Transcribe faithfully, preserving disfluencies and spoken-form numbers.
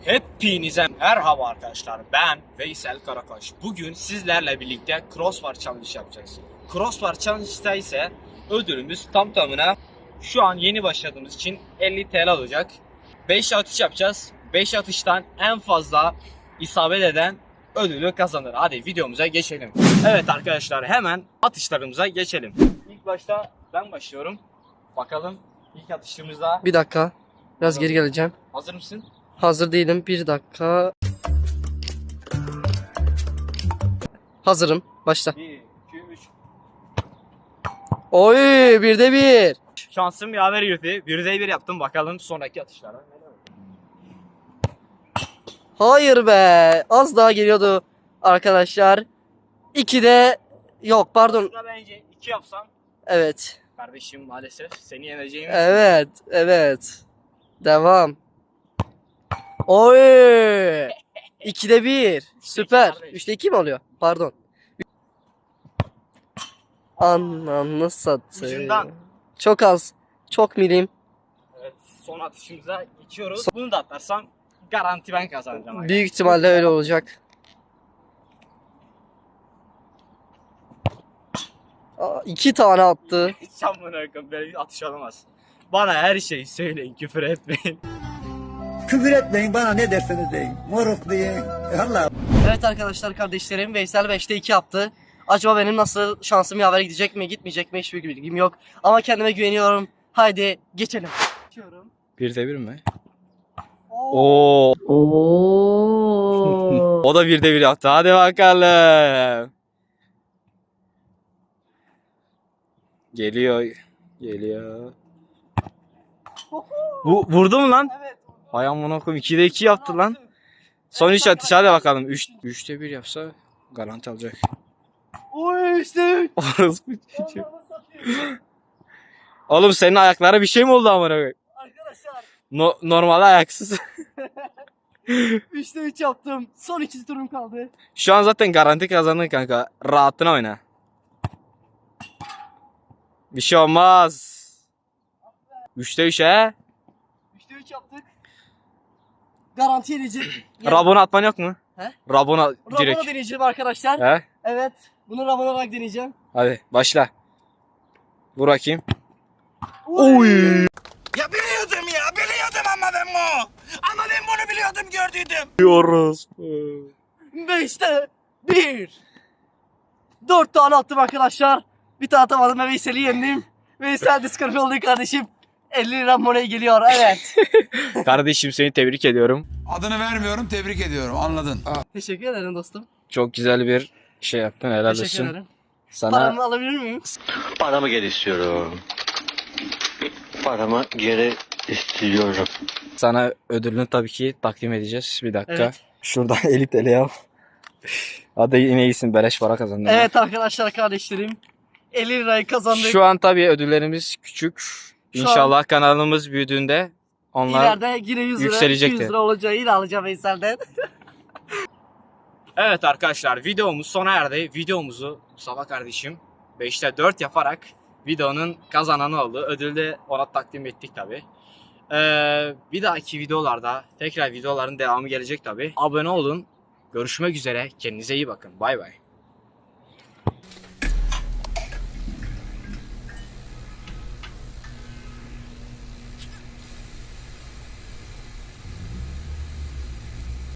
Hepinize merhaba arkadaşlar, ben Veysel Karakaş. Bugün sizlerle birlikte Crossbar Challenge yapacağız. Crossbar Challenge'da ise ödülümüz tam tamına şu an yeni başladığımız için elli TL olacak. beş atış yapacağız. beş atıştan en fazla isabet eden ödülü kazanır. Hadi videomuza geçelim. Evet arkadaşlar, hemen atışlarımıza geçelim. İlk başta ben başlıyorum. Bakalım ilk atışımızda. Bir dakika. Biraz geri geleceğim. Hazır mısın? Hazır değilim. Bir dakika. Hazırım. Başla. bir, iki, üç. Oy, birde bir. Şansım yaver yürüdü. birde bir yaptım. Bakalım sonraki atışlara. Hayır be. Az daha geliyordu arkadaşlar. ikide yok pardon. Aslında bence iki yapsam. Evet. Kardeşim maalesef seni yeneceğim. Evet. Evet. Devam. Oy. ikide bir. Süper. üçte iki mi oluyor? Pardon. Ananı satayım. Ucundan. Çok az. Çok milim. Evet, son atışımıza geçiyoruz. Bunu da atlarsam garanti ben kazanacağım. Büyük ihtimalle öyle olacak. Aa, iki tane attı. Sen bunu bakın, böyle bir atış olamaz. Bana her şeyi söyleyin, küfür etmeyin. Küfür etmeyin, bana ne derseniz deyin. Moruk deyin. Allah. Evet arkadaşlar, kardeşlerim, Veysel beşte iki yaptı. Acaba benim nasıl şansım yaver gidecek mi gitmeyecek mi hiçbir bilgim yok. Ama kendime güveniyorum. Haydi geçelim. birde bir mi? Oo. Oo. O da birde bir yaptı. Hadi bakalım. Geliyor. Geliyor. Bu vurdu mu lan? Evet. Hay amına koyayım, ikide iki yaptı lan. Son üç atış, hadi bakalım. üç üçte bir yapsa garanti alacak. Oy işte üç. Orospu çocuğu. Oğlum senin ayaklara bir şey mi oldu amına koyayım? Arkadaşlar No, normal ayaksız. üçte üç yaptım. Son iki turum kaldı. Şu an zaten garanti kazandın kanka. Rahatına oyna. Bir şey olmaz. üçte üç he. üçte üç yaptık. Garanti edecek. Rabona atman yok mu? He? Rabona direkt. Rabona deneyeceğim arkadaşlar. He? Evet. Bunu Rabona olarak deneyeceğim. Hadi başla. Vur bakayım. Oy. Ya biliyordum ya biliyordum ama ben bu. Ama ben bunu biliyordum gördüydüm. Diyoruz. Beşte bir. Dört tane attım arkadaşlar. Bir tane atamadım ve Veysel'i yendim. Veysel diskalifiye oldu kardeşim. elli lira money geliyor, evet. Kardeşim seni tebrik ediyorum. Adını vermiyorum, tebrik ediyorum, anladın. Teşekkür ederim dostum. Çok güzel bir şey yaptın, helal Teşekkür olsun. ederim. Sana Paramı alabilir miyim? Paramı geri istiyorum. Paramı geri istiyorum. sana ödülünü tabii ki takdim edeceğiz. Bir dakika. Evet. Şuradan elli TL al. Hadi yine iyisin, beleş para kazandın. Evet arkadaşlar, kardeşlerim. elli lirayı kazandık. Şu an tabii ödüllerimiz küçük. Şu İnşallah kanalımız büyüdüğünde onlar... İleride yine yüz lira, yükselecektir. iki yüz lira olacağı yine alacağım Veysel'den. Evet arkadaşlar, videomuz sona erdi. Videomuzu Mustafa kardeşim beşte dört yaparak videonun kazananı oldu. Ödülü de ona takdim ettik tabi. Ee, bir dahaki videolarda tekrar videoların devamı gelecek tabi. Abone olun. Görüşmek üzere. Kendinize iyi bakın. Bay bay.